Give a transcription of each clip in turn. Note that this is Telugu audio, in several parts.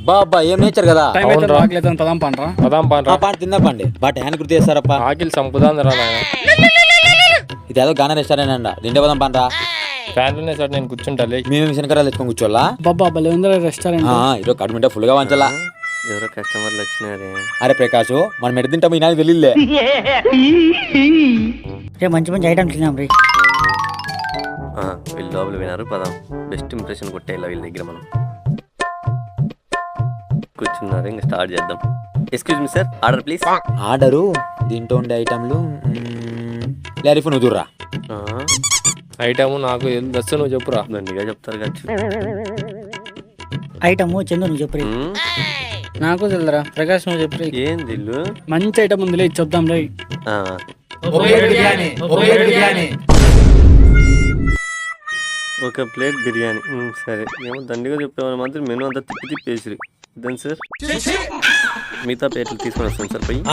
బాబా ఏం నేచర్ కదా. టైం అయితే రాకలేదు పదాం పండ్రా. పాట తిందా పండి బట్ హ్యాండ్ గుర్తు చేస్తారప్ప. ఆకిలి సంపుదాందిరా నాయన. ఇదేదో గానా రెస్టారెంట్ అంట తింటే పదాం పండ్రా. ఫ్యాన్లోనే సార్ నేను కూర్చుంటాలే. మేము శనకరాలు తెచ్చుకొని కూర్చోవాలా. బాబా భలే ఉందిరా రెస్టారెంట్. ఈరోజు కడుపుంటే ఫుల్ గా వంచాలా. ఎవరో కస్టమర్లు వచ్చినారే. అరే ప్రకాష్ మనం ఎడ తింటాము ఈ నాకు తెలియలే. మంచి మంచి ఐటమ్స్ తిన్నాం రే. వీళ్ళు లోపల వినారు పదాం. బెస్ట్ ఇంప్రెషన్ కొట్టేలా వీళ్ళ దగ్గర మనం కూర్చున్నారు. ఇంకా స్టార్ట్ చేద్దాం. Excuse me sir, order please. Order దీంట్లో ఉండే ఐటమ్లు లారీఫ్ నువ్వు దూర్రా. ఐటమ్ నాకు దస్సు నువ్వు చెప్పురా. దండిగా చెప్తారు ఖర్చు. ఐటమ్ చందు నువ్వు చెప్పు. నాకు తెలుదురా ప్రకాష్ నువ్వు చెప్పు. ఏం దిల్లు మంచి ఐటమ్ ఉందిలే చూద్దాం రే. ఒక ప్లేట్ బిర్యానీ. సరే ఏమో దండిగా చెప్పేవాళ్ళు మాత్రం మెనూ అంతా తిప్పి తిప్పేసి దాని సార్ మిగతా ప్లేట్లు తీసుకొని వస్తాను సార్ పోయి.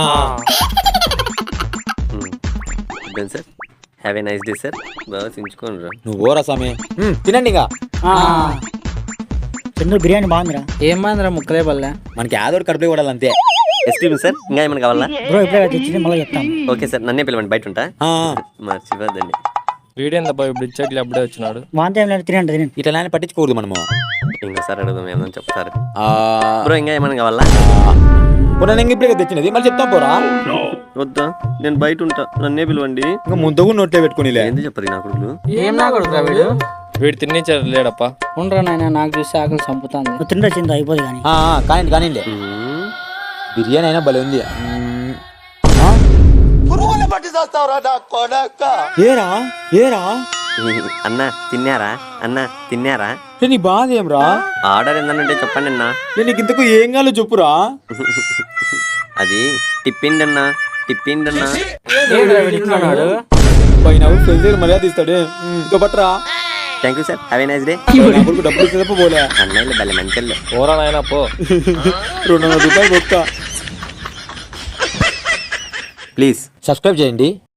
దాని sir have a nice day sir. బాగా సించుకోండి రా. నువ్వు ఓరా స్వామి తినండి. ఇంకా చందు బిర్యానీ బాగుందిరా. ఏం బాగుందిరా ముక్కలే పల్లె. మనకి ఆదోడు కడుపులో కూడా అంతే. ఎక్స్క్యూజ్ మీ సార్, ఇంకా ఏమైనా కావాలా? బ్రో ఇప్పుడే తెచ్చింది మళ్ళీ చెప్తాను. ఓకే సార్, నన్నే పిలవండి, బయట ఉంటా. మర్చిపోద్దండి. వీడేందబ్బా ఇప్పుడు ఇచ్చేట్లు అప్పుడే వచ్చినాడు. వాంతే ఏం లేదు తినండి తినండి. ఇట్లా నాన్న పట్టించుకోకూడదు మనము. ఇంకోసారి అడుగుదాం ఏమని చెప్తారు. బ్రో ఇంకా ఏమైనా కావాలా? నేను ఇప్పుడే తెచ్చినది మళ్ళీ చెప్తాం పోరా. వద్దా, నేను బయట ఉంటా, నన్నే పిలవండి. ఇంకా ముందు నోట్లే పెట్టుకుని ఏంది చెప్పదు నా కొడుకులు. ఏం నా కొడుకురా వీడు. వీడు తిన్నిచ్చారు లేడప్పా. ఉండరా నాయన, నాకు చూసి ఆకలి చంపుతాంది. నువ్వు తింటే చిందు అయిపోదు కానీ. కానీ బిర్యానీ అయినా భలే ఉంది. ఏరా ఏరా అన్నా తిన్నారా? అన్నా తిన్నారా? నీ బాధ ఏం రా? ఆర్డర్ ఏందనంటే చెప్పండి అన్నా. నీకు ఇంతకు ఏం కాలో చెప్పురా. అది టిప్పిండి అన్నా, టిప్పిండి అన్నా. పైన మర్యాద ఇస్తాడు. ఇంకా పట్టరా. Thank you sir, have a nice day. డబ్బులు ఇస్తే పోలే అన్నయ్యలు భలే మంచి. ఓరా నాయన పో. 200 రూపాయలు బొక్క. ప్లీజ్ సబ్స్క్రైబ్ చేయండి.